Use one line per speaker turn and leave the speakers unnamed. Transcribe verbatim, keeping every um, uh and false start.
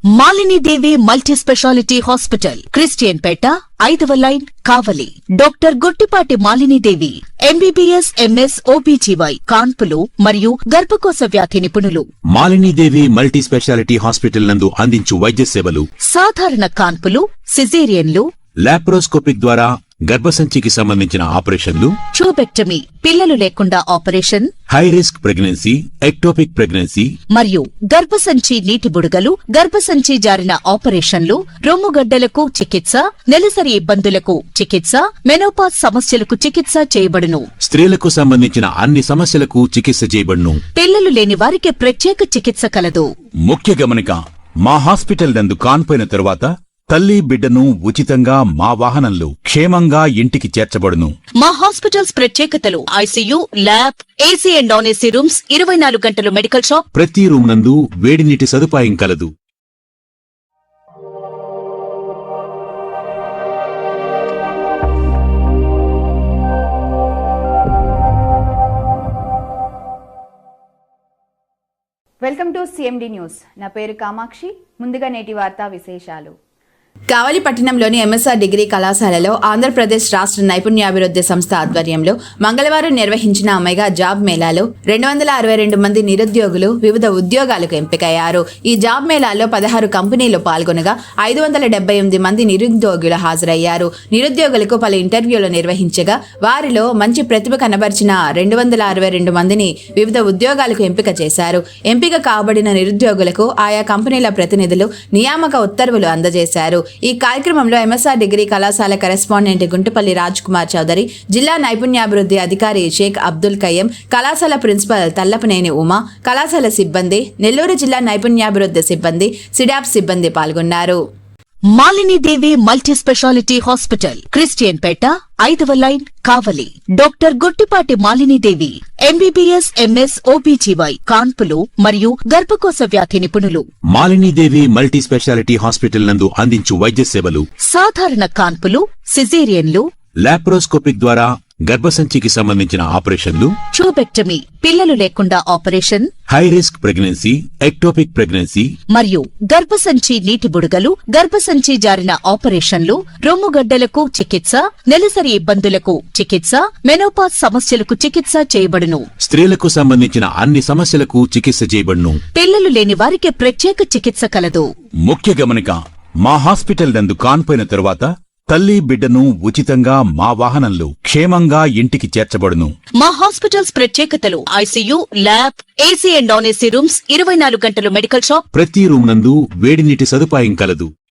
Malini Devi multi speciality hospital, Christian Peta, ఐదవ line, Kavali. Doctor Gottipati Malini Devi MBBS MS OBGY కాన్పులు మరియు గర్భకోశ వ్యాధి నిపుణులు.
Malini Devi multi speciality hospital నందు అందించు వైద్య సేవలు:
సాధారణ కాన్పులు, సిజేరియన్లు,
లాప్రోస్కోపిక్ ద్వారా గర్భసంచికి సంబంధించిన ఆపరేషన్లు,
ట్యూబెక్టమీ, పిల్లలు లేకుండా operation,
high risk pregnancy, ectopic pregnancy
మరియు గర్భసంచి నీటి బుడగలు, గర్భసంచి జారిన ఆపరేషన్లు, రొమ్ముగడ్డలకు చికిత్స, నెలసరి ఇబ్బందులకు చికిత్స, మెనోపాజ్ సమస్యలకు చికిత్స చేయబడును.
స్త్రీలకు సంబంధించిన అన్ని సమస్యలకు చికిత్స చేయబడును.
పిల్లలు లేని వారికి ప్రత్యేక చికిత్స కలదు.
ముఖ్య గమనిక: మా హాస్పిటల్ నందు కాన్పోయిన తరువాత తల్లి బిడ్డను ఉచితంగా మా వాహనంలో క్షేమంగా ఇంటికి చేర్చబడును.
మా హాస్పిటల్స్ ప్రత్యేకతలు: ICU, lab, AC and non AC rooms, ఇరవై నాలుగు గంటలు మెడికల్ షాప్,
ప్రతి రూమ్ నందు వేడి నీటి సదుపాయం కలదు.
Welcome to CMD news. నా పేరు కామాక్షి. ముందుగా నేటి వార్తా విశేషాలు.
కావలి పట్టణంలోని ఎంఎస్ఆర్ డిగ్రీ కళాశాలలో ఆంధ్రప్రదేశ్ రాష్ట్ర నైపుణ్యాభివృద్ధి సంస్థ ఆధ్వర్యంలో మంగళవారం నిర్వహించిన మెగా జాబ్ మేళాలో రెండు వందల అరవై రెండు మంది నిరుద్యోగులు వివిధ ఉద్యోగాలకు ఎంపికయ్యారు. ఈ జాబ్ మేళాలో పదహారు కంపెనీలు పాల్గొనగా ఐదు వందల డెబ్బై ఎనిమిది మంది నిరుద్యోగులు హాజరయ్యారు. నిరుద్యోగులకు పలు ఇంటర్వ్యూలు నిర్వహించగా వారిలో మంచి ప్రతిభ కనబరిచిన రెండు వందల అరవై రెండు మందిని వివిధ ఉద్యోగాలకు ఎంపిక చేశారు. ఎంపిక కాబడిన నిరుద్యోగులకు ఆయా కంపెనీల ప్రతినిధులు నియామక ఉత్తర్వులు అందజేశారు. ఈ కార్యక్రమంలో ఎంఎస్ఆర్ డిగ్రీ కళాశాల కరెస్పాండెంట్ గుంటుపల్లి రాజ్ కుమార్ చౌదరి, జిల్లా నైపుణ్యాభివృద్ధి అధికారి షేక్ అబ్దుల్ కయ్యం, కళాశాల ప్రిన్సిపల్ తల్లపనేని ఉమా, కళాశాల సిబ్బంది, నెల్లూరు జిల్లా నైపుణ్యాభివృద్ధి సిబ్బంది, సిడాప్ సిబ్బంది పాల్గొన్నారు.
Malini Devi multi speciality hospital, Christian Peta, ఐదవ line, Kavali. Doctor Gottipati Malini Devi MBBS MS OBGY కాన్పులు మరియు గర్భకోశ వ్యాధి నిపుణులు.
Malini Devi multi speciality hospital నందు అందించు వైద్య సేవలు:
సాధారణ కాన్పులు, సిజేరియన్లు,
లాప్రోస్కోపిక్ ద్వారా గర్భసంచికి సంబంధించిన ఆపరేషన్లు,
ట్యూబెక్టమీ, పిల్లలు లేకుండా operation,
high risk pregnancy, ectopic pregnancy
మరియు గర్భసంచి నీటి బుడగలు, గర్భసంచి జారిన ఆపరేషన్లు, రొమ్ముగడ్డలకు చికిత్స, నెలసరి ఇబ్బందులకు చికిత్స, మెనోపాజ్ సమస్యలకు చికిత్స చేయబడును.
స్త్రీలకు సంబంధించిన అన్ని సమస్యలకు చికిత్స చేయబడును.
పిల్లలు లేని వారికి ప్రత్యేక చికిత్స కలదు.
ముఖ్య గమనిక: మా హాస్పిటల్ నందు కాన్పోయిన తరువాత తల్లి బిడ్డను ఉచితంగా మా వాహనంలో క్షేమంగా ఇంటికి చేర్చబడును.
మా హాస్పిటల్స్ ప్రత్యేకతలు: ICU, lab, AC and non AC rooms, ఇరవై నాలుగు గంటలు మెడికల్ షాప్,
ప్రతి రూమ్ నందు వేడి నీటి సదుపాయం కలదు.